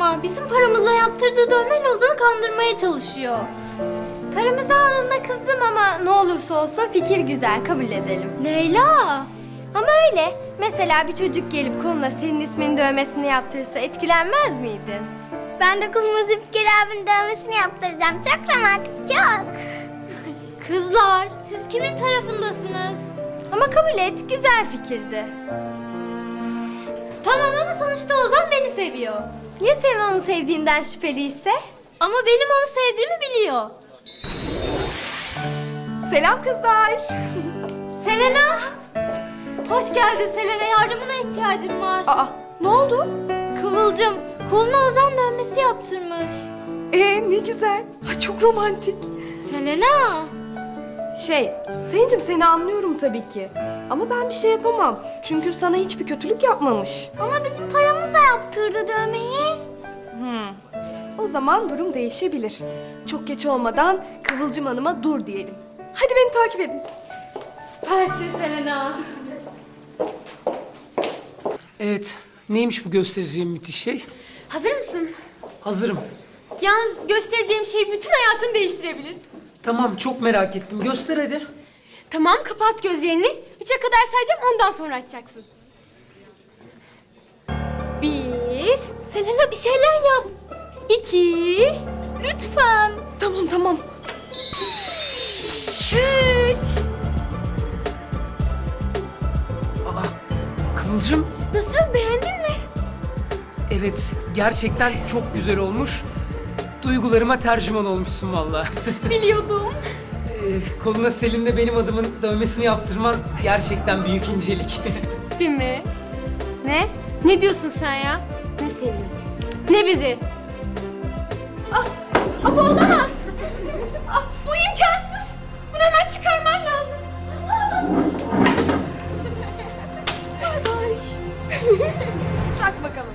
Selena. Bizim paramızla yaptırdığı dövmeyle Ozan'ı kandırmaya çalışıyor. Paramızı aldığında kızdım ama ne olursa olsun fikir güzel, kabul edelim. Leyla. Ama öyle. Mesela bir çocuk gelip koluna senin isminin dövmesini yaptırsa etkilenmez miydin? Ben de kırmızı Fikir abinin dövmesini yaptıracağım. Çok romantik, çok. Kızlar, siz kimin tarafındasınız? Ama kabul et, güzel fikirdi. Tamam ama sonuçta Ozan beni seviyor. Ya sen onu sevdiğinden şüpheliyse? Ama benim onu sevdiğimi biliyor. Selam kızlar. Selena. Hoş geldin Selena. Yardımına ihtiyacım var. Ne oldu? Kıvılcım, koluna Ozan dövmesi yaptırmış. Ne güzel. Ha, çok romantik. Selena. Selin'cim seni anlıyorum tabii ki. Ama ben bir şey yapamam. Çünkü sana hiçbir kötülük yapmamış. Ama bizim paramızla yaptırdı dövmeyi. O zaman durum değişebilir. Çok geç olmadan Kıvılcım Hanım'a dur diyelim. Hadi beni takip edin. Süpersin Selena. Evet, neymiş bu göstereceğim müthiş şey? Hazır mısın? Hazırım. Yalnız göstereceğim şey bütün hayatını değiştirebilir. Tamam, çok merak ettim. Göster hadi. Tamam, kapat gözlerini. 3'e kadar sayacağım, ondan sonra açacaksın. 1. Selena bir şeyler yap. 2. Lütfen. Tamam. 3. Aa, Kıvılcım. Nasıl, beğendin mi? Evet, gerçekten çok güzel olmuş. Duygularıma tercüman olmuşsun vallahi. Biliyordum. Koluna Selin'le benim adımın dövmesini yaptırman gerçekten büyük incelik. Değil mi? Ne? Ne diyorsun sen ya? Ne seni? Ne bizi? Bu olamaz. Bu imkansız. Bunu hemen çıkarman lazım. Çak bakalım.